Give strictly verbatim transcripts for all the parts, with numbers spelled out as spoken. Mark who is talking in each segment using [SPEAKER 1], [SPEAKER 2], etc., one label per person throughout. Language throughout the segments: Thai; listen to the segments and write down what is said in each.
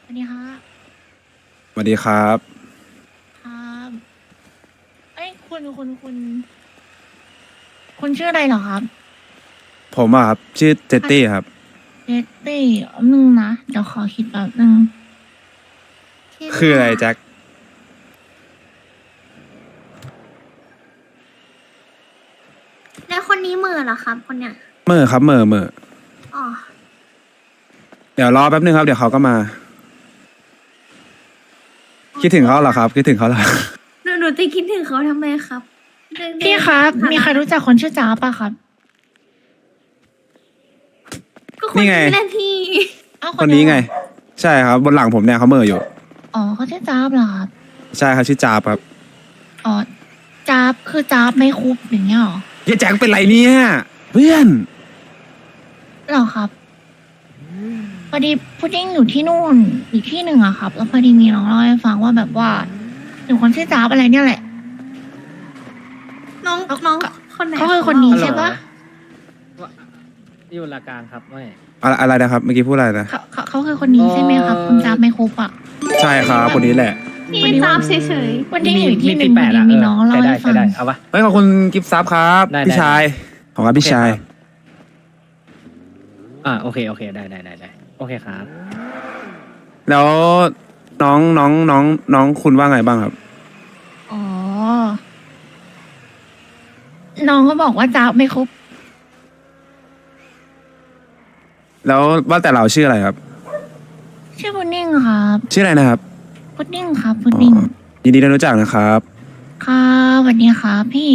[SPEAKER 1] วัสดีค่ะ
[SPEAKER 2] สวัสดีครับ
[SPEAKER 1] ครับเอ้ยคุณคุณคุณคุณชื่ออะไรเหรอครับ
[SPEAKER 2] ผมอะครับชื่อเจตตี้ครับ
[SPEAKER 1] เจตตี้นึงนะเดี๋ยวขอคิดแป๊บนึงคิด
[SPEAKER 2] คือ
[SPEAKER 1] ว่า
[SPEAKER 2] อะไรแจ็ค
[SPEAKER 3] แล้วคนนี้เหมือเหรอครับคนเนี้ย
[SPEAKER 2] เมื่อครับเมื่อเมื่อ
[SPEAKER 3] อ๋อ
[SPEAKER 2] เดี๋ยวรอแป๊บนึงครับเดี๋ยวเขาก็มา คิดถึงเขาเหรอครับคิดถึงเขาเหรอ
[SPEAKER 3] หนูหนูจะคิดถึงเขาทำไมครับเรื่อง
[SPEAKER 1] พี่ครับ มีใครรู้จักคนชื่อจ้าบป่ะครับ
[SPEAKER 3] ก็คน
[SPEAKER 2] นี่ไง
[SPEAKER 3] นี้แหละพี่
[SPEAKER 1] เอ้า
[SPEAKER 2] คนนี้ไง ใช่ครับบนหลังผมเนี่ยเขาเมื่ออยู่
[SPEAKER 1] อ๋อเขาชื่อจ้าบเหรอครับ
[SPEAKER 2] ใช่ครับชื่อจาบครับ
[SPEAKER 1] อ๋อจ้าบคือจ้าบไม่คุบอย่างเงี้ยเหรอ
[SPEAKER 2] เฮียแจ็คเป็นไรเนี่ยเพื่อน
[SPEAKER 1] เหรอครับพอดีพุดดิ้งอยู่ที่นู่นอีกที่หนึ่งอะครับ แล้วพอดีมีน้องเล่าให้ฟังว่าแบบว่าหนูคนชื่อจ้าบอะไรเนี่ยแหละ
[SPEAKER 3] น้องน้องคนไหน
[SPEAKER 1] เขาคือคนนี้ใช่ปะ
[SPEAKER 4] อยู่ละกลางครับไม่
[SPEAKER 2] อะไรอะไรนะครับเมื่อกี้พูดอะไรนะ
[SPEAKER 1] เขาเขาเขาคือคนนี้ใช่ไหมครับ คุณจ้าบไม่คุบอะ
[SPEAKER 2] ใช่ครับคนนี้แหละ
[SPEAKER 3] พี่ตามเฉย
[SPEAKER 1] วันนี้อยู่ที่หนึ่ง
[SPEAKER 4] แป
[SPEAKER 1] พอ
[SPEAKER 4] ด
[SPEAKER 1] ดี
[SPEAKER 4] อะ
[SPEAKER 1] มีน้องเล่า
[SPEAKER 4] ใช้ได้
[SPEAKER 1] ให้ฟั
[SPEAKER 4] ใช้
[SPEAKER 1] ง
[SPEAKER 4] ได้เอาปะ
[SPEAKER 2] เฮ้ยขอบคุณกิฟต์ซับครับ
[SPEAKER 4] ได้
[SPEAKER 2] พี่
[SPEAKER 4] ได้
[SPEAKER 2] ชายขอบคุณครับพี่ชาย
[SPEAKER 4] อ่าโอเคโอเคได้ได้ได้ได้โอเคครับ
[SPEAKER 2] แล้วน้องน้องน้องน้องคุณว่าไงบ้างครับ
[SPEAKER 1] อ๋อ น้องก็บอกว่าจ้าบไม่คุบ
[SPEAKER 2] แล้วว่าแต่เราชื่ออะไรครับ
[SPEAKER 1] ชื่อพุดดิ้งครับ
[SPEAKER 2] ชื่ออะไรนะครับ
[SPEAKER 1] พุดดิ้งครับพุดดิ้ง
[SPEAKER 2] อ๋อยินดีได้รู้จักนะครับ
[SPEAKER 1] ครับสวัสดีครับพี่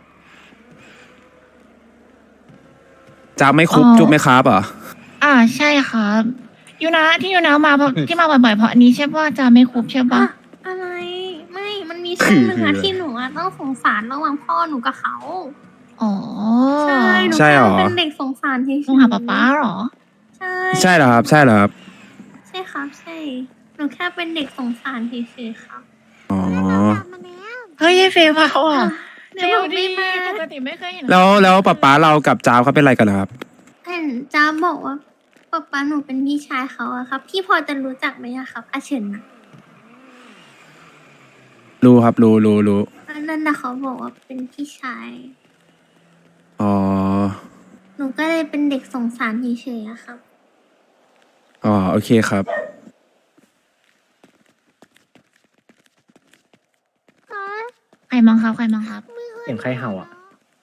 [SPEAKER 2] จาบไม่คุบ
[SPEAKER 1] อ๋อ
[SPEAKER 2] จุ๊บไม่ครับเหรอ
[SPEAKER 1] อ่าใช่ครับยูนะที่ยูนะมาเพราะที่มาบ่อยๆเพราะอันนี้ใช่ป่ะจ้าบไม่คุบใช่
[SPEAKER 3] ๆ
[SPEAKER 1] ปะ
[SPEAKER 3] อะอะไร ไม่ มันมีช่วงหนึ่งอะ
[SPEAKER 2] คือ
[SPEAKER 3] ที่หนูอะต้องสงสารระหว่างพ่อหนูกับเขา
[SPEAKER 1] อ๋อ
[SPEAKER 3] ใช่หนู
[SPEAKER 2] ใช่
[SPEAKER 3] แค่
[SPEAKER 2] เหรอ
[SPEAKER 3] เป็นเด็กสงสารเฉยๆ
[SPEAKER 1] ต้องหาป๊าป๊าเหรอ
[SPEAKER 3] ใช่
[SPEAKER 2] ใช่เหรอครับ ใช่เหรอครับ
[SPEAKER 3] ใช่ครับใช่ หนูแค่เป็นเด็กสงสารเฉยๆครับ
[SPEAKER 2] อ๋อ
[SPEAKER 1] เฮ้ยเฟย์มาอ่ะ
[SPEAKER 3] เดี๋ยวบอกไม่มา
[SPEAKER 1] ปกติไม่เคยเห็น
[SPEAKER 2] แล้วแล้วป๊าป๊าเรากับจาวเขาเป็นอะไรกันเหรอครับ
[SPEAKER 3] เห็นจ้าบอกว่าป๊าป๊าหนูเป็นพี่ชายเขาอะครับ พี่พอจะรู้จักไหมอะครับอาเฉินอะ
[SPEAKER 2] รู้ครับ รู้รู้รู้
[SPEAKER 3] อันนั่นนะเขาบอกว่าเป็นพี่ชาย
[SPEAKER 2] อ๋อ
[SPEAKER 3] หนูก็เลยเป็นเด็กสงสารเฉยๆอะครับ
[SPEAKER 2] อ๋อ โอเคครับ
[SPEAKER 1] ใครมั้งครับใครมั้งครับ
[SPEAKER 4] เสียงใครเห่าอ่ะ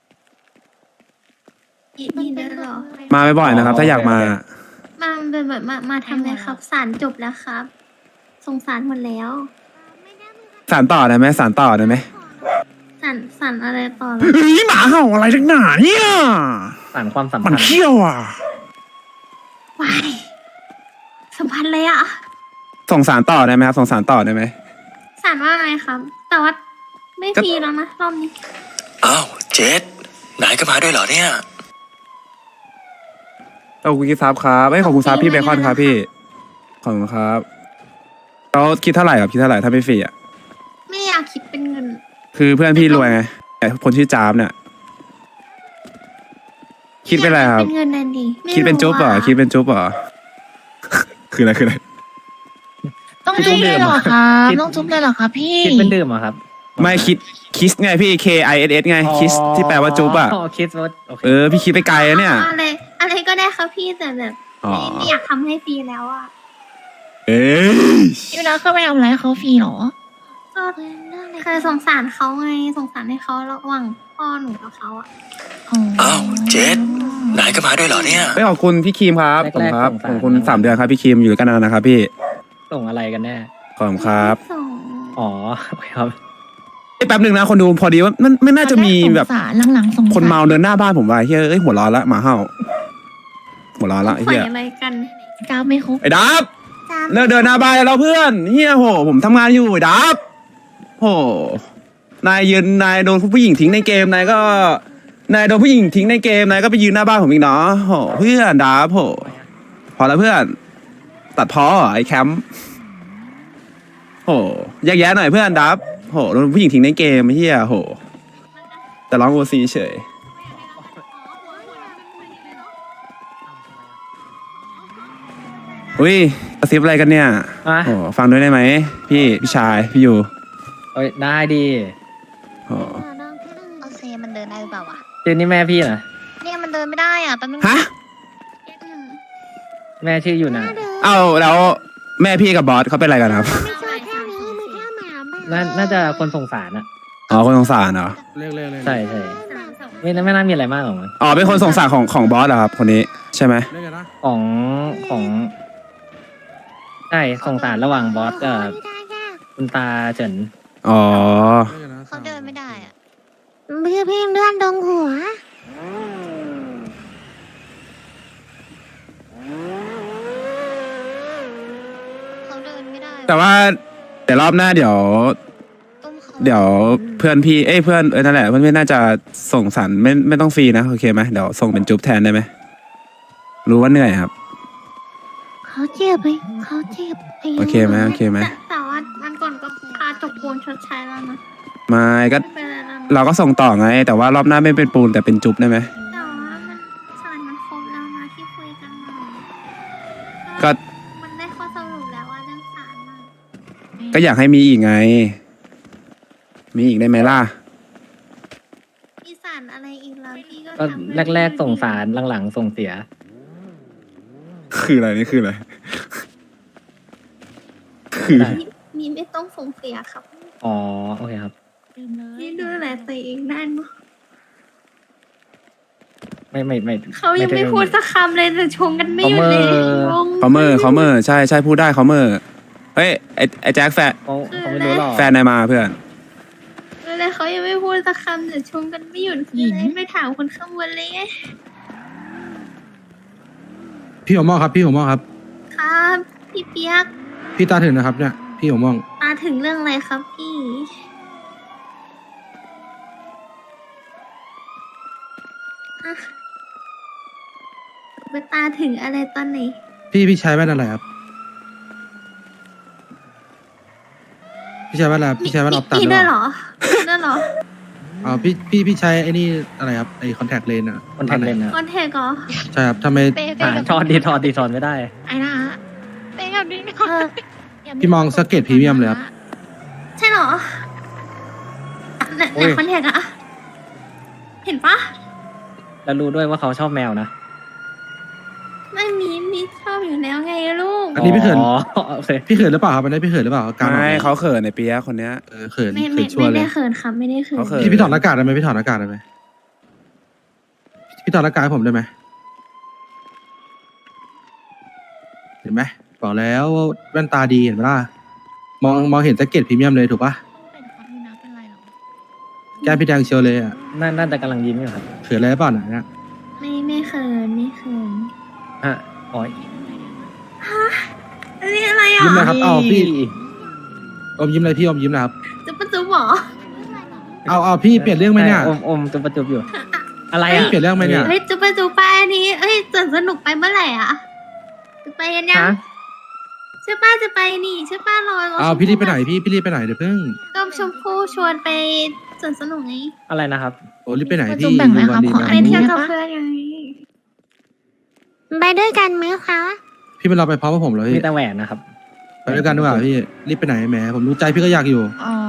[SPEAKER 3] อีนี่ได้เหรอ
[SPEAKER 2] มาบ่อยๆนะครับ ถ้าอยากมา
[SPEAKER 3] มาเป็นแบบมามาทำเลยครับ สารจบแล้วครับ สงสารหมดแล้ว
[SPEAKER 2] สารต่อได้ไหมสารต่อได้ไหม
[SPEAKER 3] สารสารอะไรต่อล่ะ
[SPEAKER 2] เฮ้ยหมาเห่าอะไรทั้งหนาเนี่ย
[SPEAKER 4] สานความสัม
[SPEAKER 2] มั
[SPEAKER 4] พั
[SPEAKER 2] น
[SPEAKER 4] นธ์
[SPEAKER 2] เขี้ยวอ่ะ
[SPEAKER 3] วายสัมพันธ์เลยอะ
[SPEAKER 2] ส่งสารต่อได้ไหมครับ ส่งสารต่อได้ไหม
[SPEAKER 3] สารว่าอะไรครับ แต่ว่าไม่
[SPEAKER 2] ก็
[SPEAKER 3] ฟรีแล้วนะรอบนี้
[SPEAKER 5] อ้าวเจษนายก็มาด้วยเหรอเนี่ย
[SPEAKER 2] ขอบคุณกิฟต์ซับครับเอ้ยขอบคุณซับพี่เบคอนครับพี่ ขอบคุณครับแล้วคิดเท่าไหร่ครับคิดเท่าไหร่ถ้าไม่ฟรีอ่ะ
[SPEAKER 3] ไม่อยากคิดเป็นเงิน
[SPEAKER 2] คือเพื่อนพี่รวยไงแต่คนชื่อจามเนี่ย คิดเป็นอะไรครับ
[SPEAKER 3] เป็นเงินนั่นดีไม่
[SPEAKER 2] คิดเป็นจุ๊บเหรอ
[SPEAKER 3] อะ
[SPEAKER 2] คิดเป็นจุ๊บเหรอ คืออะไรคืออะไร
[SPEAKER 1] ต้องจุ๊บเลยเหรอครับต้องจุ๊บเลยเหรอครับพี่
[SPEAKER 4] คิดเป็นดื่มเหรอครับ
[SPEAKER 2] ไม่คิดคิสไงพี่ K I S S ไงคิสที่แปลว่าจุ๊บอ่ะ
[SPEAKER 4] อ๋อคิดว่าโอเค
[SPEAKER 2] เออพี่คิดไปไกลอะเนี่ย
[SPEAKER 3] อะไรอะไรก็ได้ครับพี่แต่แบบ
[SPEAKER 2] อ๋อ
[SPEAKER 3] ไม่ไม่อยากทำให้ฟรีแล้วอะ
[SPEAKER 2] เอ้ย
[SPEAKER 1] ยูนะเคยไปทำอะไรให้เขาฟรีเหรอ
[SPEAKER 3] ก็เคยสงสารเขาไงสงสารให้เขาระหว่างพ่อหนูกับเขาอะ
[SPEAKER 5] อ้าวเจษนายก็มาด้วยเหรอเนี่ย
[SPEAKER 2] ไม่ขอบคุณพี่ครีมครับขอบคุณครับขอบคุณสามเดือนครับพี่ครีมอยู่ด้วยกันนานนะครับพี่
[SPEAKER 4] ส่งอะไรกันแน่
[SPEAKER 2] ขอบคุณครับ
[SPEAKER 3] ส่ง
[SPEAKER 4] อ๋อโอเคครับ
[SPEAKER 2] เอ้ยแป๊บหนึ่งนะคนดูพอดีว่ามันไม่น่าจะมีแบบ
[SPEAKER 1] สงสารหลังๆสงสาร
[SPEAKER 2] คนเมาเดินหน้าบ้านผมว่าเฮ้ยเอ้ยหัวร้อนละหมาเห่าหัวร้อนละไอ้
[SPEAKER 3] ใส่
[SPEAKER 2] เฮีย
[SPEAKER 3] อะไรกัน
[SPEAKER 1] จ้าบไม่คุบ
[SPEAKER 2] ไอ้ดับ
[SPEAKER 3] จ้า
[SPEAKER 2] เลิกเดินหน้าบ้านแล้วเพื่อนเฮียโหผมทำงานอยู่ไอ้ดับโหนายยืนนายโดนผู้หญิงทิ้งในเกมนายก็นายโดนผู้หญิงทิ้งในเกมนายก็ไปยืนหน้าบ้านผมอีกเนาะโหเพื่อนดับโหพอแล้วเพื่อน ตัดพอเหรอไอ้แคมป์โหแยกแยะหน่อยเพื่อนดับโหโดนผู้หญิงทิ้งในเกมเฮียโหแต่ร้องโอซีเฉยโอ้อุ้ยกระซิบอะไรกันเนี่ย
[SPEAKER 4] อ่ะ
[SPEAKER 2] โอ้ฟังด้วยได้ไหมพี่พี่ชายพี่อยู่
[SPEAKER 4] เอ้ยได้ดี
[SPEAKER 2] โอ้
[SPEAKER 1] เอาเซมันเดินได้หรือเปล่าวะ
[SPEAKER 4] ชื่อนี่แม่พี่นะ
[SPEAKER 1] เนี่ยมันเดินไม่ได้อ่ะแป๊บนึง
[SPEAKER 2] ฮะ
[SPEAKER 4] แม่ชื่ออยู่นะ
[SPEAKER 2] เอ้าแล้วแม่พี่กับบอสเขาเป็นอะไรกันครับ
[SPEAKER 3] ไม่ใช่แค่นี้มีแค่หมาบ้า
[SPEAKER 4] น่าน่าจะคนสงสารอะ
[SPEAKER 2] อ๋อคนสงสารเหรอ
[SPEAKER 6] เรียกเรียกเรียก
[SPEAKER 4] ใช่ใช่
[SPEAKER 3] สามสอง
[SPEAKER 4] ไม่น่าไม่น่ามีอะไรมากหรอกมั้ง
[SPEAKER 2] อ๋อเป็นคนสงสารของของบอสเหรอครับคนนี้ใช่ไหม
[SPEAKER 6] เรียกกันนะ
[SPEAKER 4] ของของใช่สงสารระหว่างบอสกับคุณตาเฉิน
[SPEAKER 2] อ๋อ
[SPEAKER 6] เรียกกันนะ
[SPEAKER 1] เขาเดินไม่ได้อ่ะ
[SPEAKER 3] พี่พี่เลื่อนตรงหัว
[SPEAKER 1] เขาเดินไม่ได้
[SPEAKER 2] แต่ว่าเดี๋ยวรอบหน้าเดี๋ยว
[SPEAKER 1] ตุ้มเขา
[SPEAKER 2] เดี๋ยวเพื่อนพี่เอ้ยเพื่อนเออนั่นแหละเพื่อนพี่น่าจะส่งสารไม่ไม่ต้องฟรีนะโอเคไหมเดี๋ยวส่งเป็นจุ๊บแทนได้ไหมรู้ว่าเหนื่อยครับ
[SPEAKER 3] เขาเจ็บไปเขาเจ็บไป
[SPEAKER 2] โอเคไหมโอเคไหม
[SPEAKER 3] แต่แต่ว่ามันก่อนก็พาจบปูนชดใช้แล้วนะ
[SPEAKER 2] ไม่ก็
[SPEAKER 3] ไม่เป็นไรแล้วนะ
[SPEAKER 2] เราก็ส่งต่อไง แต่ว่ารอบหน้าไม่เป็นปูนแต่เป็นจุ๊บได้ไหม
[SPEAKER 3] แต่ว่ามันสารมันครบแล้วนะที่คุยกันมา
[SPEAKER 2] ก็
[SPEAKER 3] มันได้ข้อสรุปแล้วว่าเรื่องสารน่ะ
[SPEAKER 2] ก็อยากให้มีอีกไง มีอีกได้ไหมล่ะ
[SPEAKER 3] มีสารอะไรอีกแล้วพี่ก็
[SPEAKER 4] ก็
[SPEAKER 3] ทำให้
[SPEAKER 4] แรกๆส่งสารหลังๆส่งเสีย
[SPEAKER 2] คืออะไรนี่คืออะไร คือ
[SPEAKER 4] ได้
[SPEAKER 3] มีมีไม่ต้องส่งเสียครับ
[SPEAKER 4] อ๋อโอเคครับ
[SPEAKER 1] ดื่มเลย
[SPEAKER 3] นี่ดูแลตัวเองได้เนอะ
[SPEAKER 4] ไม่ไม่ไม่
[SPEAKER 3] เขายังไม่
[SPEAKER 4] ด้
[SPEAKER 3] พูดสักคำเลยแต่ชงกันไม่หยุดเลย
[SPEAKER 4] เขาเมอร์
[SPEAKER 3] งง
[SPEAKER 2] เขาเมอร์เขาเมอร์ใช่ใช่พูดได้เขาเมอร์เฮ้ยไอไอแจ็คแฟน
[SPEAKER 4] เขาเขาไม่รู้หรอก
[SPEAKER 2] แฟนนายมาเพื่อน
[SPEAKER 3] เลยเขายังไม่พูดสักคำแต่ชงกันไม่หยุดคืออะไรไม่ถามคนข้างบนเลยไง
[SPEAKER 6] พี่หัวหมอครับ พี่หัวหมอครับ
[SPEAKER 3] ครับพี่เปียก
[SPEAKER 6] พี่ตาถึงนะครับเนี่ยพี่หัวหมอง
[SPEAKER 3] ตาถึงเรื่องอะไรครับพี่ฮะไปตาถึงอะไรตอนไหน
[SPEAKER 6] พี่พี่ใช้แว่นอะไรครับ พี่ใช้แว่นอะไรครับพี่ใช้แว่นออฟตัด
[SPEAKER 3] พี่
[SPEAKER 6] หรือ
[SPEAKER 3] ด้
[SPEAKER 6] เป
[SPEAKER 3] วยเหร
[SPEAKER 6] ล่า
[SPEAKER 3] อพี่ด้วยเหรอ
[SPEAKER 6] อ๋อพี่พี่พี่ใช้ไอ้นี่อะไรครับไอ้คอนแทคเลนส์อะ
[SPEAKER 4] คนแทนเลนนะ
[SPEAKER 3] คอนแทคเหรอ
[SPEAKER 6] ใช่ครับทำไม
[SPEAKER 1] เป๊ะ
[SPEAKER 4] อ่า
[SPEAKER 1] เป๊ะ
[SPEAKER 4] ทอดดีทอดดีทอดไม่ได้
[SPEAKER 1] ไอ้นะฮะเป๊ะกับดิ้ง
[SPEAKER 3] เออ
[SPEAKER 6] พี่มองสเก็ตพรีเมียมเลยครับ
[SPEAKER 3] ใช่เหรอไหน
[SPEAKER 4] โอ้
[SPEAKER 3] ไหน
[SPEAKER 4] ย
[SPEAKER 3] คอนแทคอะเห็นปะ
[SPEAKER 4] แล้วรู้ด้วยว่าเขาชอบแมวนะ
[SPEAKER 3] ไม่มีมีชอบอยู่แล้วไงลูก
[SPEAKER 6] อันนี้พี่เขิน
[SPEAKER 4] อ๋อโอเค
[SPEAKER 6] พี่เขินหรือเปล่าครับอันนี้พี่เขินหรือเปล่าการออก
[SPEAKER 2] ไม่
[SPEAKER 6] แบบ
[SPEAKER 2] เขาเขินในเปียะคนเนี้ย
[SPEAKER 6] เออเขิน
[SPEAKER 3] ไม่
[SPEAKER 6] เขิ
[SPEAKER 3] ไม่
[SPEAKER 6] นชัว
[SPEAKER 3] ไม่
[SPEAKER 6] ร์เล
[SPEAKER 3] ได้
[SPEAKER 6] ย
[SPEAKER 3] เขินครับไม่ได้เขิน
[SPEAKER 2] เขาเขิน
[SPEAKER 6] พี่พี่ถอดหน้ากากได้ไหมพี่ถอดหน้ากากได้ไหมพี่ถอดหน้ากากให้ผมได้ไหมเห็นไหมบอกแล้วว่าแว่นตาดีเห็นไหมล่ะมองมองเห็นสเก็ตพรีเมียมเลยถูกปะ
[SPEAKER 1] เป็นครับดูนะเป็นไรหรอ
[SPEAKER 6] แก้มพี่แดงเชียวเลยอ่ะ
[SPEAKER 4] น่าน่าจะกำลังยิ้มอยู่ครับ
[SPEAKER 6] เขินอะไรหรือเปล่าน่ะเนี่ย
[SPEAKER 3] ไม่ไม่เขินไม่เขิน
[SPEAKER 4] ฮะอ๋อ
[SPEAKER 3] อันนี้อะไรอ่ะ
[SPEAKER 6] ยิ้มเลยครับเอาพี่อมยิ้มเลยพี่อมยิ้มนะครับ
[SPEAKER 3] จุ๊บปะจุ๊บเหรอ
[SPEAKER 6] เอาเอาพี่เปลี่ยนเรื่องไหมเนี่ย
[SPEAKER 4] อมอมจุบประจุบอยู่ อะไร
[SPEAKER 6] พี่
[SPEAKER 4] อ่ะ
[SPEAKER 6] เปลี่ยนเรื่องไหมเนี่ย
[SPEAKER 3] เฮ้ยจุ๊บปะจุ๊บไปอันนี้เฮ้ยจะสนุกไปเมื่อไหร่อ่ะจะไปกันยัง
[SPEAKER 4] ฮะ
[SPEAKER 3] ใช่ป้าจะไปนี่ใช่ป้ารอรอ
[SPEAKER 6] เอา
[SPEAKER 3] ชม
[SPEAKER 6] พี่รีบไป
[SPEAKER 3] พู่
[SPEAKER 6] ไหนพี่พี่รีบไปไหนเดี๋ยวเพิ่ง
[SPEAKER 3] ก็ชมพู่ชวนไปสวนสนุกไง
[SPEAKER 4] อะไรนะครับ
[SPEAKER 6] โอ้รีบไปไหน
[SPEAKER 1] ประ
[SPEAKER 6] พี่
[SPEAKER 1] จุแบ่งไหมครับ
[SPEAKER 6] ดู
[SPEAKER 1] ขอ
[SPEAKER 6] วัน
[SPEAKER 1] อั
[SPEAKER 6] ดี
[SPEAKER 1] นนี้
[SPEAKER 6] นะ
[SPEAKER 3] เที่ยวกับเพื่อนไงไปด้วยกันไหมคะ
[SPEAKER 6] พี่เป็นเราไปพร้อมกับผมเลย
[SPEAKER 4] มีแต่แหวนนะครับ
[SPEAKER 6] ไปด้วยกันดีกว่าพี่รีบไปไหนแหมผมรู้ใจพี่ก็อยากอยู่
[SPEAKER 1] อ๋อ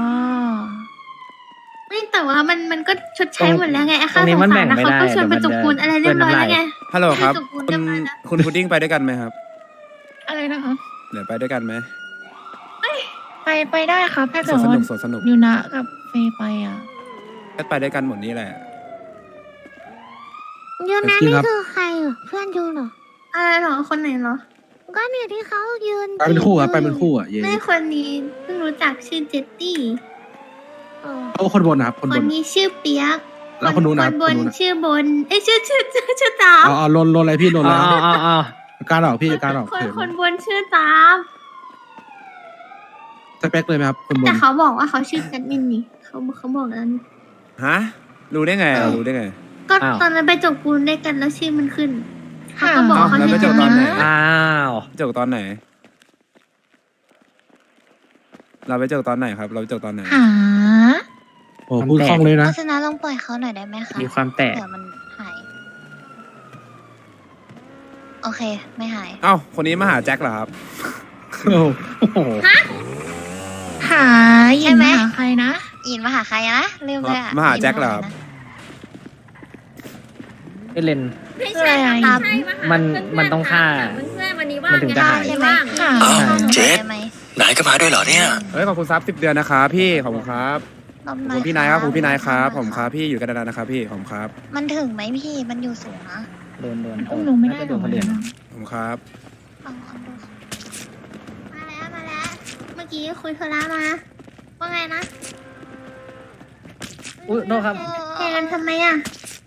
[SPEAKER 3] ไม่แต่ว่ามันมันก็ชดใช้หมดแล้วไงไอ้
[SPEAKER 4] ตร
[SPEAKER 3] ค่าง
[SPEAKER 4] นี้
[SPEAKER 3] สง
[SPEAKER 4] มัน
[SPEAKER 3] สา
[SPEAKER 4] แบ่
[SPEAKER 3] รง นะ
[SPEAKER 4] ไม่
[SPEAKER 3] เขา
[SPEAKER 4] ได้
[SPEAKER 3] ก็ชวนไปจกปูนอะไรเรียบร้อยแล้วไง
[SPEAKER 2] ฮัลโหลครับ
[SPEAKER 3] จบปูน
[SPEAKER 2] คุ
[SPEAKER 3] เรีย
[SPEAKER 2] ณ
[SPEAKER 3] บร้อยแล้ว
[SPEAKER 2] คุณพุดดิ้งไปด้วยกันไหมครับ
[SPEAKER 1] อะไรนะครับ
[SPEAKER 2] เดี๋ยวไปด้วยกันไหม
[SPEAKER 1] ไปไปได้ครับถ้า
[SPEAKER 2] ส
[SPEAKER 1] เกิ
[SPEAKER 2] ว
[SPEAKER 1] ด
[SPEAKER 2] นส
[SPEAKER 1] ว่า
[SPEAKER 2] นุกสวนสนุก
[SPEAKER 1] ยูนะกับเฟยไปอ่ะ
[SPEAKER 2] ก็ไปด้วยกันหมดนี่แหละ
[SPEAKER 3] ยูนะ
[SPEAKER 6] จริง
[SPEAKER 3] นี่
[SPEAKER 6] ครับ
[SPEAKER 3] คือใครเหรอเพื่อนยูเหรออะไรเหรอคนไหนเหรอ ก็เนี่ยที่เขายืน
[SPEAKER 6] ไปเป็นคู่ครับไปเป็นคู่อ่ะเย้
[SPEAKER 3] ไม่คนนี้เพิ่งรู้จักชื่อเจตตี้
[SPEAKER 6] เอาคนบนนะครับคน
[SPEAKER 3] ค
[SPEAKER 6] บ
[SPEAKER 3] น
[SPEAKER 6] น
[SPEAKER 3] นี้ชื่อเปียก
[SPEAKER 6] แล้วคนนู้นนะ
[SPEAKER 3] คนบ
[SPEAKER 6] คน
[SPEAKER 3] น
[SPEAKER 6] นู้นนะ
[SPEAKER 3] ชื่อบนเอ้ยชื่อชื่อชื่อชื่อตาม
[SPEAKER 6] เอาเอาลนลนอะไรพี่ลน
[SPEAKER 4] อ๋
[SPEAKER 6] แล้
[SPEAKER 4] อ
[SPEAKER 6] ว
[SPEAKER 4] อ๋ออ๋อ
[SPEAKER 6] การออกพี่การออก
[SPEAKER 3] คน
[SPEAKER 6] เขิน
[SPEAKER 3] คนบนชื่อตาม
[SPEAKER 6] สเปคเลยไหมครับคนบ
[SPEAKER 3] แต่
[SPEAKER 6] น
[SPEAKER 3] เขาบอกว่าเขาชื่อแคทมินนี่เขาเขาบอกแล้วนี่
[SPEAKER 2] ฮะ รู้ได้ไงอ่ะรู้ได้ไง
[SPEAKER 3] ก็ตอนนั้นไปจกปูนด้วยกันแล้วชื่อมันขึ้นเขาก็
[SPEAKER 1] ค่ะ
[SPEAKER 3] บอกว่าเขา
[SPEAKER 2] แล้ว
[SPEAKER 3] ชื่
[SPEAKER 2] ไป
[SPEAKER 3] อ
[SPEAKER 2] จ
[SPEAKER 3] แค
[SPEAKER 2] ก
[SPEAKER 3] ท
[SPEAKER 2] ต
[SPEAKER 3] มิ
[SPEAKER 2] อน
[SPEAKER 3] น
[SPEAKER 2] ไหน
[SPEAKER 4] อ้าว
[SPEAKER 2] จบตอนไหน เราไปจบตอนไหนครับ เราไปจบตอนไหน
[SPEAKER 1] หา
[SPEAKER 6] โอ้พูดคล่องเลยนะ
[SPEAKER 1] โฆษณาลองปล่อยเขาหน่อยได้ไหมคะ
[SPEAKER 4] มีความแตก
[SPEAKER 1] เผื่อมันหาย
[SPEAKER 7] โอเค ไม่หาย
[SPEAKER 2] เอ้าคนนี้มาหาแจ็คเหรอครับ
[SPEAKER 4] โอ้โห
[SPEAKER 1] หาหยินมาหาใครนะ
[SPEAKER 7] อินมาหาใครอะนะลืมเลยอะ
[SPEAKER 2] มาหาแจ็คเหรอครับ
[SPEAKER 4] ไอเลน
[SPEAKER 3] ไม่ใช่ครับไม่ใช่าหา
[SPEAKER 4] มัน
[SPEAKER 3] เพื่อๆ
[SPEAKER 4] มันต้องฆ่า
[SPEAKER 3] ถมเพื่อนๆวันนี้ว่าง
[SPEAKER 4] มันถึงจะหาย
[SPEAKER 3] ใช่ไหม
[SPEAKER 1] ค่ะ
[SPEAKER 5] อ้าว
[SPEAKER 7] หนู
[SPEAKER 5] เจ็ด
[SPEAKER 7] ได้ไหม
[SPEAKER 5] นายก็มาด้วยเหรอเนี่ย
[SPEAKER 2] เฮ้ยขอบคุณซับสิบเดือนนะครับพี่ขอบคุณครับ
[SPEAKER 7] รอบ
[SPEAKER 2] ขอบ
[SPEAKER 7] หน่
[SPEAKER 2] คุณพี่นายครับขอบคุณพี่นายครับ
[SPEAKER 7] ห
[SPEAKER 2] ผมครับพี่อยู่กันนานๆนะครับพี่ผมครับ
[SPEAKER 7] มันถึงไหมพี่ มันอยู่สูงนะ
[SPEAKER 4] โดนโดน
[SPEAKER 1] อุ้มหนูไม่ได้
[SPEAKER 4] น่าจะ
[SPEAKER 1] ห
[SPEAKER 4] โด
[SPEAKER 1] รอน
[SPEAKER 4] คนอื่น
[SPEAKER 2] ผมครับ
[SPEAKER 7] ลองลองดู
[SPEAKER 3] มาแล้วมาแล้ว เมื่อกี้คุยโทรศัพท์มา ว่าไงนะ
[SPEAKER 4] อุ้ยโทษครับ
[SPEAKER 3] เพลงกันทำไมอ่ะ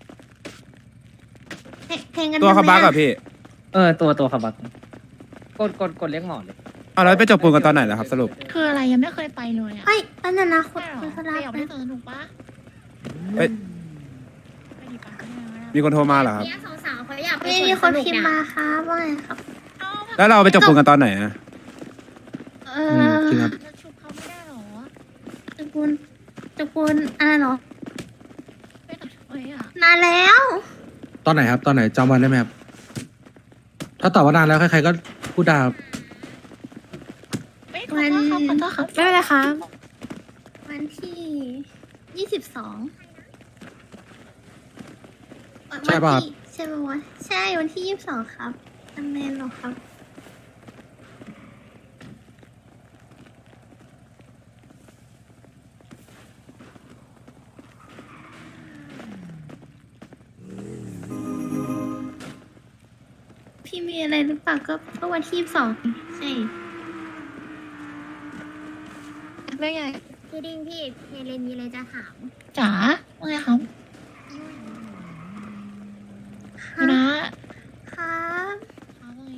[SPEAKER 3] เพลงเพลงกัน
[SPEAKER 2] ตัวเขา
[SPEAKER 3] ทำไม
[SPEAKER 2] บัก
[SPEAKER 3] อะ
[SPEAKER 2] อะพี่
[SPEAKER 4] เออตัวตัวขับบักกดกดกดเรียกหมอเลย
[SPEAKER 2] เอาแล้วไปจบปูนกันตอนไหนล่ะครับสรุป
[SPEAKER 1] คืออะไรยังไม่เคยไปเลยอ่ะ
[SPEAKER 3] เฮ้ยอันนั้นนะคุย
[SPEAKER 1] ใช่เหรอ
[SPEAKER 3] คุยโทร
[SPEAKER 1] ไป
[SPEAKER 3] ศัพ
[SPEAKER 1] ออก
[SPEAKER 3] ท์
[SPEAKER 1] ไม่
[SPEAKER 3] นะ
[SPEAKER 1] สนุกปะ
[SPEAKER 2] เอ้ย
[SPEAKER 1] ไปดีปะไม่เอาไม่เอา
[SPEAKER 2] มีคนโทรมาเหรอครับ
[SPEAKER 3] เนี่ยสาวๆเขาอยากไปมีคนพิมพ์มาครับว่าไงครับ
[SPEAKER 2] แล้วเราไปจบปูนกันตอนไหนอะ
[SPEAKER 3] เอ
[SPEAKER 6] อืม
[SPEAKER 3] อ
[SPEAKER 6] จริงครับ
[SPEAKER 1] จะชุบเขาไม่ได้เหรอ
[SPEAKER 3] ตระกูลตระกูลอะไรเหรอ
[SPEAKER 1] ไม่ต้องช่วยอ่ะ
[SPEAKER 3] นานแล้ว
[SPEAKER 6] ตอนไหนครับ ตอนไหนจำวันได้ไหมครับ ถ้าตอบว่านานแล้วใครๆก็พูดได้ครับ
[SPEAKER 1] ไม่ขอโทษครับขอโทษครับ
[SPEAKER 3] ไม่เป็นไรครับ วันที่ยี่สิบสอง
[SPEAKER 6] ใช่ป่ะครับ
[SPEAKER 3] ใช่ป่ะวะใช่วันที่ยี่สิบสองครับจำแม่นเหรอครับ พี่มีอะไรหรือเปล่าก็ก็วันที่ยี่สิบสองใช่
[SPEAKER 7] เรื่องใหญ่
[SPEAKER 3] พี่ดิ้งพี่เฮเลนมีอะไรจะถาม
[SPEAKER 1] จ๋าว่าไงครับพี่นะครับ ครับว่าไง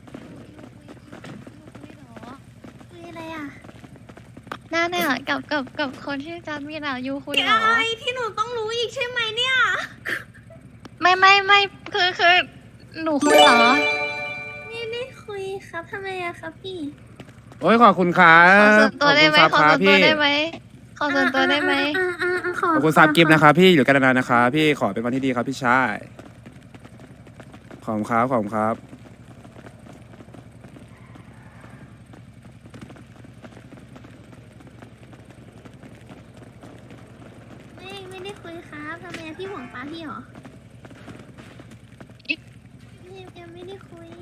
[SPEAKER 3] คุยอะไรอ่ะ
[SPEAKER 7] น่าเนี่ยกับกับกับคนที่จัดมีน่ะยูคุยเหรอ
[SPEAKER 3] ไอที่หนูต้องรู้อีกใช่ไหมเนี่ย
[SPEAKER 7] ไม่ไม่ไม่คือคือหนูคุยเหรอ
[SPEAKER 3] ไม่ได้คุยครับทำไมอะครับพี่
[SPEAKER 2] โอ้ยขอบคุณครั
[SPEAKER 7] ขอบ ส่วนตัวได้ไหม
[SPEAKER 2] ขอบ
[SPEAKER 7] ขอ
[SPEAKER 2] คุณ
[SPEAKER 7] ส่วนตัว
[SPEAKER 2] ครับพี่
[SPEAKER 7] ได้ไหมขอส่วนตัวได้ไหม
[SPEAKER 3] อ่าอ่าอ่าขอ
[SPEAKER 2] ขอบคุณซับกิฟต์นะครับพี่อยู่กันนานๆนะครับพี่ขอเป็นวันที่ดีครับพี่ชายขอบคุณครับขอบคุณครับ
[SPEAKER 3] ไม่ไม่ได้คุยครับทำไมอะพี่ห่วงป้าพี่เหรอไม่ยังไม่ได้คุย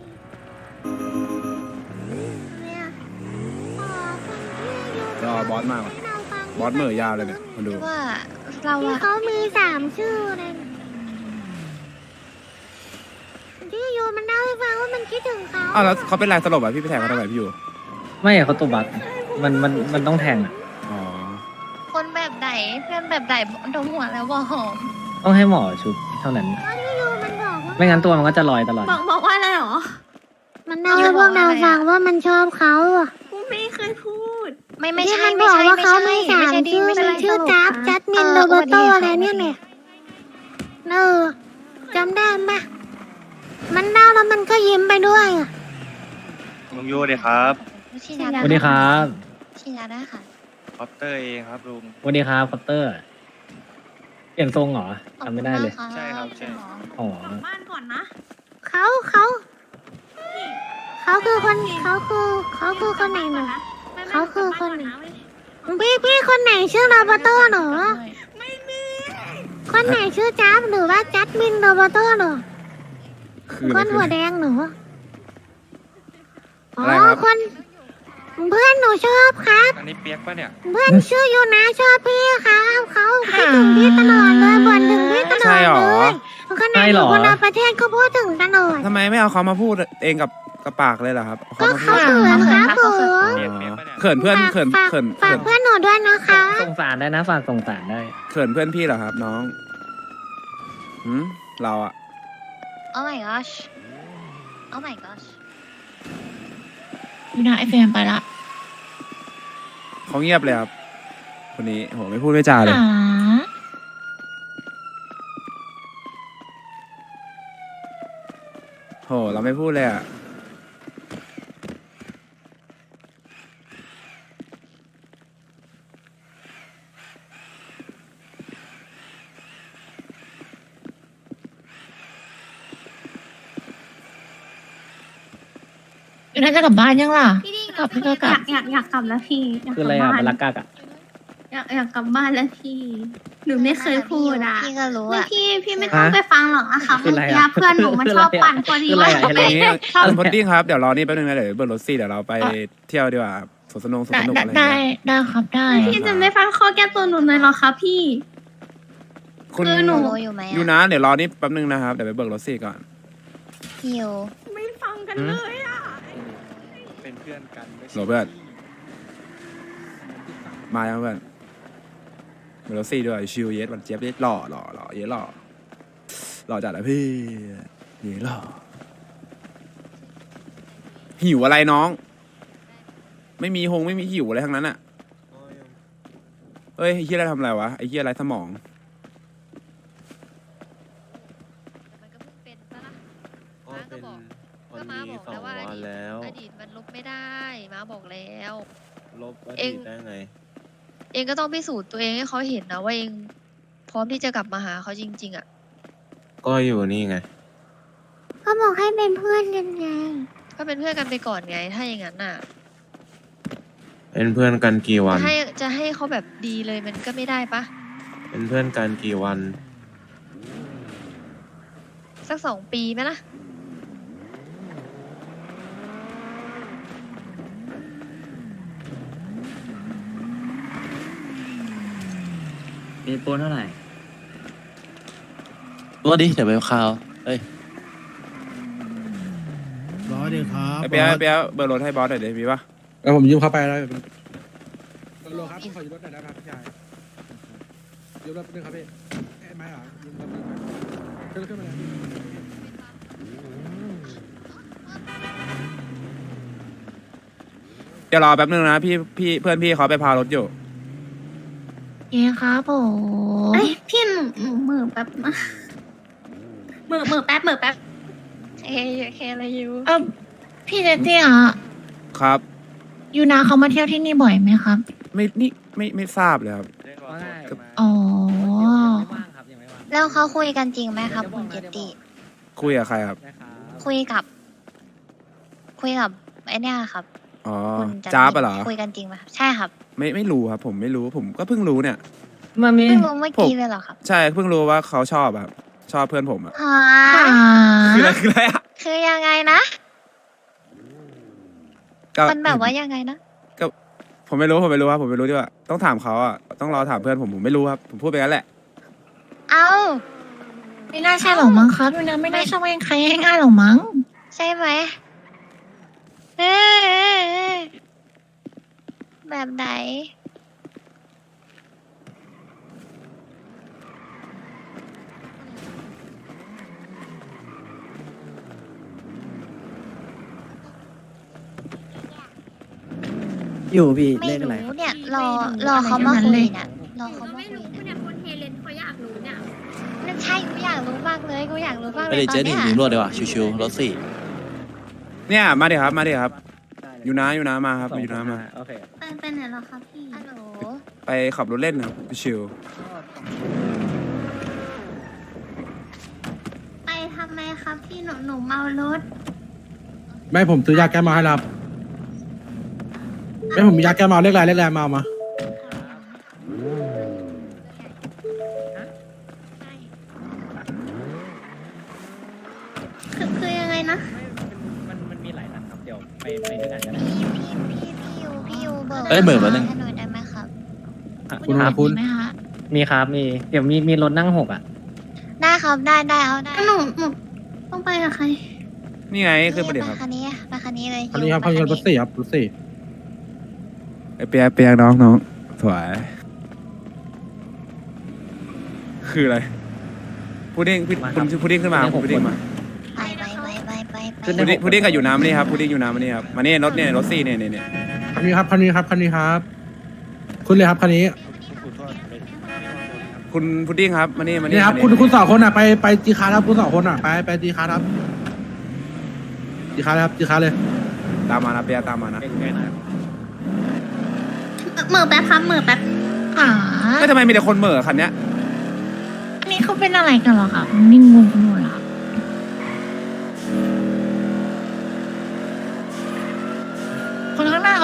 [SPEAKER 3] ทำไมอะอ๋อคนที่อยู่
[SPEAKER 2] รอบอสมากว่ะ
[SPEAKER 3] ให้เราฟัง
[SPEAKER 2] บอสเหม่อยาวเลยเนี่ยมาดู
[SPEAKER 7] ที่ว่าเรา
[SPEAKER 3] ที่
[SPEAKER 7] อะ
[SPEAKER 3] เขามีสามชื่อเลยที่อยู่มันเล่าให้ฟังว่ามันคิดถึงเขา
[SPEAKER 2] อ้าวแล้วเขาเป็นไรสลบอ่ะพี่ไปแทงเขาทำไมพี่อยู่
[SPEAKER 4] ไม่อะเขาตัวบักมันมันมันต้องแทงอะ
[SPEAKER 2] อ๋อ
[SPEAKER 7] คนแบบไหนเพื่อนแบบไหนดมหัวแล้วบอกหอม
[SPEAKER 4] ต้องให้หมอชุบเท่านั้น
[SPEAKER 3] ที่อยู่มันบอกว่า
[SPEAKER 4] ไม่งั้นตัวมันก็จะลอยตลอด
[SPEAKER 3] บอกบอกว่าอะไรหรอ มันเล่าให้พวกเราฟังว่ามันชอบเขาอ่ะกูไม่เคยพูด
[SPEAKER 7] ไม่ไม่
[SPEAKER 3] ที่
[SPEAKER 7] ใช่
[SPEAKER 3] มันบ
[SPEAKER 7] ไม่
[SPEAKER 3] อก
[SPEAKER 7] ใช่
[SPEAKER 3] ว่า
[SPEAKER 7] ไม่
[SPEAKER 3] เขา
[SPEAKER 7] ใช่
[SPEAKER 3] ไม่สาม
[SPEAKER 7] ไม่ใช่ดี
[SPEAKER 3] ชื่อ
[SPEAKER 7] ไม่
[SPEAKER 3] มั
[SPEAKER 7] ใช่
[SPEAKER 3] นชื่อจับจัดมิน
[SPEAKER 7] เอ
[SPEAKER 3] โร
[SPEAKER 7] อ
[SPEAKER 3] เบโต
[SPEAKER 7] สวัสดีค่ะ
[SPEAKER 3] อะไรเนี่ยเนี่ยเออจำได้ปะมันเล่าแล้วมันก็ยิ้มไปด้วยอ่ะ
[SPEAKER 8] ลุงยูเลยครับ
[SPEAKER 7] ฉีดยา
[SPEAKER 4] สวัสดีครับ
[SPEAKER 7] ฉีดยาได้ค่ะ
[SPEAKER 8] คอปเตอร์เองครับลุง
[SPEAKER 4] สวัสดีครับคอปเตอร์ เปลี่ยนทรงเหรอ
[SPEAKER 7] ขอบ
[SPEAKER 4] จำ
[SPEAKER 7] คุ
[SPEAKER 4] ไม่
[SPEAKER 7] ณ
[SPEAKER 4] ได้เลย
[SPEAKER 7] มากะ
[SPEAKER 8] ใช่ครับใช่
[SPEAKER 7] ณหมอ
[SPEAKER 4] อ๋อ
[SPEAKER 3] บ้านก่อนนะเขาเขาเขาคือคนเขาคือเขาคือคนไหนหนูเขาคือคนไหนพี่พี่คนไหนชื่อโรเบโตหนู
[SPEAKER 1] ไม่มี
[SPEAKER 3] คนไหนชื่อจับหรือว่าจัดมินโรเบโตหนู
[SPEAKER 2] คือ
[SPEAKER 3] คนหัวแดงหนูอ๋อ
[SPEAKER 2] อะไรครับ
[SPEAKER 3] คนเพื่อนหนูชอบครับ
[SPEAKER 8] อันนี้เปียกปะเนี่ย
[SPEAKER 3] เพื่อนชื่อยูนะชอบพี่ครับเขาคิดถึงพี่ตลอดเลยบ่นถึงพี่ตลอ
[SPEAKER 2] ใช่
[SPEAKER 3] ด
[SPEAKER 2] หร
[SPEAKER 3] เล
[SPEAKER 2] อ
[SPEAKER 3] ยขนาดอยู่คนละประเทศก็พูดถึงตลอด
[SPEAKER 2] ทำไมไม่เอาเขามาพูดเองกับกับปากเลยล่ะครับ
[SPEAKER 3] ก็
[SPEAKER 2] เขามา
[SPEAKER 3] เขา
[SPEAKER 2] พูด
[SPEAKER 3] เขินครับผม
[SPEAKER 8] เปียกเปียกปะเนี่ย
[SPEAKER 2] เขินเพื่อนเขิน
[SPEAKER 3] ฝาก
[SPEAKER 2] เขิน
[SPEAKER 3] ฝา
[SPEAKER 2] เขิ
[SPEAKER 3] ก
[SPEAKER 2] น
[SPEAKER 3] เพื่อนหนูด้วยนะคะ
[SPEAKER 4] ส่งสารได้นะฝากส่งสารได้
[SPEAKER 2] เขินเพื่อนพี่เหรอครับน้องหืมเราอะ
[SPEAKER 7] โอ้ my gosh โอ้ my gosh
[SPEAKER 1] อยู่นะไอเฟรมไปละ
[SPEAKER 2] เขาเงียบเลยครับคนนี้โหไม่พูดไม่จาเลย
[SPEAKER 1] จ๋า
[SPEAKER 2] โหเราไม่พูดเลยอะ
[SPEAKER 1] อยู่น่าจะกลับบ้านยังล่ะ
[SPEAKER 3] พี่ดิ้ง
[SPEAKER 1] กลับไม่ก็กลั
[SPEAKER 3] อบ ยากอยากอยากกลับแล้วพี่อยาก
[SPEAKER 4] คือก อะไร
[SPEAKER 3] ลับ
[SPEAKER 4] อ่ะ
[SPEAKER 3] บ้าน
[SPEAKER 4] บาลักกากอ่ะ
[SPEAKER 3] อยากอยากกลับบ้านแล้วพี่ หนูไม่เคยพูดอ่ะ
[SPEAKER 7] พี่ก็รู้
[SPEAKER 3] ไม่
[SPEAKER 7] อะ
[SPEAKER 3] พี่พี่ไม่ต้องไปฟังหรอกนะคะ
[SPEAKER 4] คือ
[SPEAKER 3] เมื่อ
[SPEAKER 4] อะไร
[SPEAKER 3] กี้
[SPEAKER 4] อะ
[SPEAKER 3] เพื่อนหนูมันชอบปั่นพอดี
[SPEAKER 4] คืออะไร
[SPEAKER 3] ว่า
[SPEAKER 4] อะ
[SPEAKER 2] อันนี้
[SPEAKER 3] ชอบ
[SPEAKER 2] คุณพุดดิ้งครับเดี๋ยวรอนี่แป๊บนึงนะเดี๋ยวเบิร์ดรถซี่เดี๋ยวเราไปเที่ยวดีกว่าสวนสนุกสวน
[SPEAKER 1] ได้
[SPEAKER 2] สนุก
[SPEAKER 1] ได้
[SPEAKER 2] อะไรอย่าง
[SPEAKER 1] ได้
[SPEAKER 2] เงี้ย
[SPEAKER 1] ได้ครับได้
[SPEAKER 3] พี่จะไม่ฟังข้อแก้ตัวหนูเลยเหรอคะพี่
[SPEAKER 2] คุณ
[SPEAKER 3] คือหนู
[SPEAKER 7] รู้อยู่ไหม
[SPEAKER 2] ยู
[SPEAKER 7] อะ
[SPEAKER 2] นะเดี๋ยวรอนี่แป๊บนึงนะครับเดี๋ยวไปเบิร์ดรถซี่ก่อน
[SPEAKER 7] พี่ยู
[SPEAKER 3] ไม่ฟังกันเลยอ่ะ
[SPEAKER 8] เป็นเพื่อนกันไม่ใช่
[SPEAKER 2] โรเบิร์ตมายังเพื่อนเบิร์ดรถซี่ด้วยชิวเยสวันเจี๊ยบเยสหล่อหล่อหล่อเยสหล่อหล่อจัดอะพี่เยสหล่อหิวอะไรน้อง ไม่มีหงไม่มีหิวอะไรทั้งนั้นอะเฮ้ยไอ้เฮียอะไรทำอะไรวะไอ้เฮียอะไรสมอง
[SPEAKER 7] มันก็เพิ่งเป็นปะล่ะ
[SPEAKER 9] ก็
[SPEAKER 7] ม้าก็
[SPEAKER 9] เป็น
[SPEAKER 7] บอก
[SPEAKER 9] คน
[SPEAKER 7] ก็ม้า
[SPEAKER 9] นี้
[SPEAKER 7] บอก
[SPEAKER 9] สอง
[SPEAKER 7] แล้วว่าอ
[SPEAKER 9] วัน
[SPEAKER 7] ดีต
[SPEAKER 9] แล้ว
[SPEAKER 7] อดีตมันลบไม่ได้ม้าบอกแล้ว
[SPEAKER 9] ลบอ
[SPEAKER 7] เอ
[SPEAKER 9] ดี
[SPEAKER 7] ง
[SPEAKER 9] ตได้ไง
[SPEAKER 7] เองก็ต้องพิสูจน์ตัวเองให้เขาเห็นนะว่าเองพร้อมที่จะกลับมาหาเขาจริง ๆอะ
[SPEAKER 9] ก็อยู่นี่ไง
[SPEAKER 3] ก็บอกให้เป็นเพื่อนกันไง
[SPEAKER 7] ก็เป็นเพื่อนกันไปก่อนไง ถ้าอย่างนั้นน่ะ
[SPEAKER 9] เป็นเพื่อนกันกี่วั
[SPEAKER 7] จะ
[SPEAKER 9] น
[SPEAKER 7] ให้จะให้เขาแบบดีเลยมันก็ไม่ได้ปะ
[SPEAKER 9] เป็นเพื่อนกันกี่วัน
[SPEAKER 7] สักสองปีไหมล่ะ
[SPEAKER 4] มีโปนเท่าไหร่
[SPEAKER 5] ตัวดิเดี๋ยวไปข่าวเอ้ย
[SPEAKER 6] ร้อยเดียวครับ
[SPEAKER 2] ไอ้เปียกไอ้เปียกเบิร์ดรถให้บอสหน่อยดิมีปะ
[SPEAKER 6] แล้วผมยืมเข้าไปแล้วโลครับขอยืมรถหน่อยได้ไหมครับพี่ชายยืมรถนึงครับพี่เอ้ยไม่เหรอยืมรถนึงขึ้นขึ้นมาเลย
[SPEAKER 2] เดี๋ยวรอแป๊บนึงนะพี่พี่เพื่อนพี่เขาไปพารถอยู่
[SPEAKER 1] เย้ครับผม
[SPEAKER 3] เอ้ยพี่หนูหนูมือแป๊บนะมือมือแป๊บมือแป๊บ
[SPEAKER 7] เอ้ยแค่อะไรอยู่
[SPEAKER 1] เออพี่เจเตี้ยอะ
[SPEAKER 2] ครับ
[SPEAKER 1] ยูนาเขามาเที่ยวที่นี่บ่อยไหมครับ
[SPEAKER 2] ไม่นี่ไม่ไม่ทราบเลยครับ
[SPEAKER 8] เรียกว่า
[SPEAKER 1] อ๋อ
[SPEAKER 4] ยังไม่ว่างครับยังไม่ว่าง
[SPEAKER 7] แล้วเขาคุยกันจริงไหมครับคุณเจตติ
[SPEAKER 2] คุยกับใครครับ
[SPEAKER 4] นะครับ
[SPEAKER 7] คุยกับ คุยกับไอเนี่ยครับ
[SPEAKER 2] อ๋อ
[SPEAKER 7] คุณจัน
[SPEAKER 2] จ้าปะเหรอ
[SPEAKER 7] คุยกันจริงไหมครับใช่ครับ
[SPEAKER 2] ไม่ไม่รู้ครับ ผมไม่รู้ผมก็เพิ่งรู้เนี่ย
[SPEAKER 4] มามี
[SPEAKER 7] เพิ่งรู้เมื่อกี้เลยเหรอครับ
[SPEAKER 2] ใช่เพิ่งรู้ว่าเขาชอบอะครับชอบเพื่อนผมอะ
[SPEAKER 7] ฮะ
[SPEAKER 1] ค่ะ
[SPEAKER 2] คืออะไรคืออะไรอะ
[SPEAKER 7] คือยังไงนะ
[SPEAKER 2] ก็
[SPEAKER 7] มันแบบว่ายังไงนะ
[SPEAKER 2] ก็ผมไม่รู้ผมไม่รู้ครับผมไม่รู้ดีกว่าต้องถามเขาอะต้องรอถามเพื่อนผมผมไม่รู้ครับผมพูดไปงั้นแหละ
[SPEAKER 7] เอ้า
[SPEAKER 1] ไม่น่าใช่หรอกมั้งครับยูนาไม่น่าชอบให้ใครง่ายๆหรอกมั้ง
[SPEAKER 7] ใช่ไหมเอ้ยแบบไหน
[SPEAKER 4] อยู่พี่
[SPEAKER 7] ไม่
[SPEAKER 4] เลขอะไร
[SPEAKER 7] รู้เนี่ย รอ รอเขามาคุยเนี่ยรอเขามา
[SPEAKER 3] ไม่
[SPEAKER 7] คุย
[SPEAKER 3] รู้
[SPEAKER 7] เนี่ย
[SPEAKER 3] เนี่ยคนเฮเลนเขาอยากรู้เนี่ย
[SPEAKER 7] นั่นใช่กูอยากรู้มากเลยกูอยากรู้มากเล
[SPEAKER 5] ไม่
[SPEAKER 7] ย
[SPEAKER 5] ได้
[SPEAKER 7] ตอ
[SPEAKER 5] เจ๊
[SPEAKER 7] น
[SPEAKER 5] หนึ่
[SPEAKER 7] เนี้
[SPEAKER 5] ง
[SPEAKER 7] ย
[SPEAKER 5] ถึงรวดดีกว่าชิวๆรถสี่
[SPEAKER 2] เนี่ยมาดิครับมาดิครับอยู่นะอยู่นะมาครับอยู่นะมา
[SPEAKER 4] โอเค
[SPEAKER 3] ไปไปไหนเหรอคะพี่
[SPEAKER 7] ฮัลโหล
[SPEAKER 2] ไปขับรถเล่นนะครับชิว
[SPEAKER 3] ไปทำไมครับพี่หนูหนูเมารถ
[SPEAKER 6] ไม่ผมซื้อยาแก้เมาให้รับไม่ผมมียาแก้เมาเรียกอะไรเรียกอะไรมาเอามา
[SPEAKER 3] คือคือยังไงนะ
[SPEAKER 4] มันมันมีหลายนัดครับเดี๋ยวไปไปด้วยกันก็ได้
[SPEAKER 7] พี่พี่พี่พี่ยูพี่ยูเบิร์
[SPEAKER 5] เอ้ยเหมือนวันหนึ่ง
[SPEAKER 7] ให้หน่อยได้ไหมครับ
[SPEAKER 6] คุณ
[SPEAKER 4] ครับ
[SPEAKER 6] คุณ
[SPEAKER 1] ไหมคะ
[SPEAKER 4] มีครับมีเดี๋ยวมีมีรถนั่งหกอ่ะ
[SPEAKER 7] ได้ครับได้ได้เอาได้
[SPEAKER 3] หนูหนูต้องไปกับใคร
[SPEAKER 2] ๆนี่ไงคือประเดี๋ยวครับ
[SPEAKER 7] ไปคันนี้ไปคันนี้เลย
[SPEAKER 6] คันนี้ครับคัน
[SPEAKER 7] ยู
[SPEAKER 6] นี้
[SPEAKER 7] ไป
[SPEAKER 6] รถสี่ครับรถสี่
[SPEAKER 2] ไอเปียกเปียกน้องน้องสวยคืออะไรพุดดิ้งพี่
[SPEAKER 4] มาครับ
[SPEAKER 2] คุณพุดดิ้งขึ้นมา
[SPEAKER 4] พุ
[SPEAKER 2] พุ
[SPEAKER 4] ด
[SPEAKER 2] ด
[SPEAKER 4] ดิ้
[SPEAKER 2] ดิ้ง
[SPEAKER 4] ง
[SPEAKER 2] มา
[SPEAKER 7] ไปไปไปไปไปไป
[SPEAKER 4] ขึ้น
[SPEAKER 2] พุ
[SPEAKER 4] ได้
[SPEAKER 2] ดดิ้งพุดดิ้งกับอยู่น้ำมานี่ครับพุดดิ้งอยู่น้ำมานี่ครับมานี่รถเนี่ยรถซี่เนี่ยเนี่ยเนี่ย
[SPEAKER 6] คันนี้ครับคันนี้ครับคันนี้ครับ คุณเลยครับคันนี้
[SPEAKER 2] คุณพุดดิ้งครับมานี่มานี่
[SPEAKER 6] นี่ครับ
[SPEAKER 2] มา
[SPEAKER 6] คุณคุณสองคนอ่ะไปไปจีคาร์ครับคุณสองคนอ่ะไปไปจีคาร์ครับจีคาร์ครับจีคาร์เลย
[SPEAKER 2] ตามมานะเปียกตามมานะ
[SPEAKER 4] เป็นไงหน่อย
[SPEAKER 3] เหมือแป๊บครับเหมือแป๊บ
[SPEAKER 1] อ่า
[SPEAKER 2] ก็ทำไมมีแต่คนเหม่อคันเนี้ย
[SPEAKER 1] อันนี้เขาเป็นอะไรกันเหรอครับนิ่งงงไปหมดแล้ว
[SPEAKER 3] ม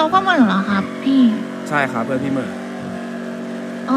[SPEAKER 1] เขาก็เหมือนเหรอครับ พี่
[SPEAKER 2] ใช่ครับเพื่อนพี่เหมอ
[SPEAKER 1] อ๋อ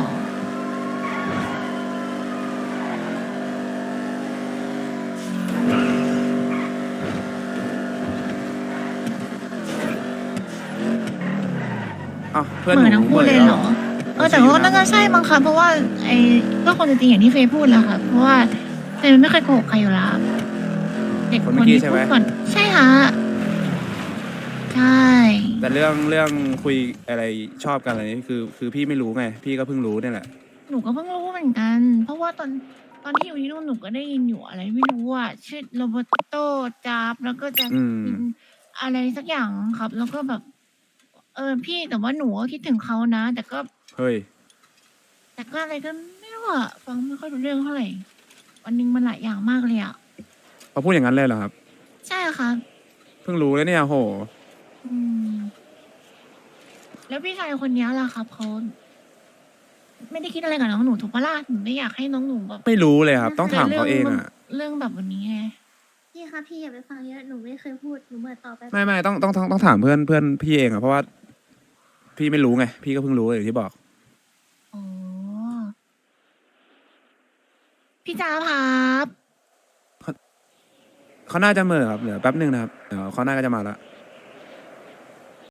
[SPEAKER 2] อ้าวเพื่อน
[SPEAKER 1] เห
[SPEAKER 2] ห
[SPEAKER 1] มื
[SPEAKER 2] นู
[SPEAKER 1] อนทั้งคู่เลยเหรอ เออแต่ว่าน่าจะใช่มั้งครับเพราะว่าไอ้ก็คนจริงๆอย่างที่เฟยพูดแหละค่ะเพราะว่าเฟยไม่เคยโกหกใครอยู่แล้วเด็ก
[SPEAKER 2] ค
[SPEAKER 1] คน น
[SPEAKER 2] เมื่อกี้
[SPEAKER 1] ที่
[SPEAKER 2] ใช่
[SPEAKER 1] พู
[SPEAKER 2] ไหม
[SPEAKER 1] ดก่อนใช่ฮะใช่
[SPEAKER 2] แต่เรื่องเรื่องคุยอะไรชอบกันอะไรนี่คือ คือพี่ไม่รู้ไง พี่ก็เพิ่งรู้เนี่ยแหละ
[SPEAKER 1] หนูก็เพิ่งรู้เหมือนกัน เพราะว่าตอนตอนที่อยู่ที่นู่นหนูก็ได้ยินอยู่อะไรไม่รู้อ่ะชื่อโรเบโตจาบแล้วก็จะ
[SPEAKER 2] อืม
[SPEAKER 1] กินอะไรสักอย่างครับ แล้วก็แบบ เออพี่แต่ว่าหนูก็คิดถึงเขานะ แต่ก็
[SPEAKER 2] เฮ้ย
[SPEAKER 1] แต่ก็อะไรก็ไม่รู้อะฟังไม่ค่อยรู้เรื่องเท่าไหร่วันหนึงมันหลายอย่างมากเลยอะ
[SPEAKER 2] เขาพูดอย่างนั้นเลยเหรอครับ
[SPEAKER 1] ใช่ครับ
[SPEAKER 2] เพิ่งรู้แล้วเนี่ยโห
[SPEAKER 1] อืม แล้วพี่ชายคนนี้ล่ะครับเขาไม่ได้คิดอะไรกับน้องหนูถูกปะล่ะหนูไม่อยากให้น้องหนูแบบ
[SPEAKER 2] ไม่รู้เลยครับ ต้องถามเขาเอง
[SPEAKER 1] รื่
[SPEAKER 2] อ่ะ
[SPEAKER 1] เรื่องแบบวันนี้ไง
[SPEAKER 3] พี่คะพี่อย่าไปฟังเยอะหนูไม่เคยพูดหนูเหมือนต่อไป
[SPEAKER 2] ไม่ไม่ต้องต้องต้องต้องถามเพื่อนเพื่อนพี่เองอ่ะเพราะว่า พี่ไม่รู้ไง พี่ก็เพิ่งรู้อย่างที่บอก
[SPEAKER 1] อ๋อ พี่จ้าครับ
[SPEAKER 2] เขาน่าจะเหม่อครับเดี๋ยวแป๊บหนึ่งนะครับเดี๋ยวเขาน่าก็จะมาละ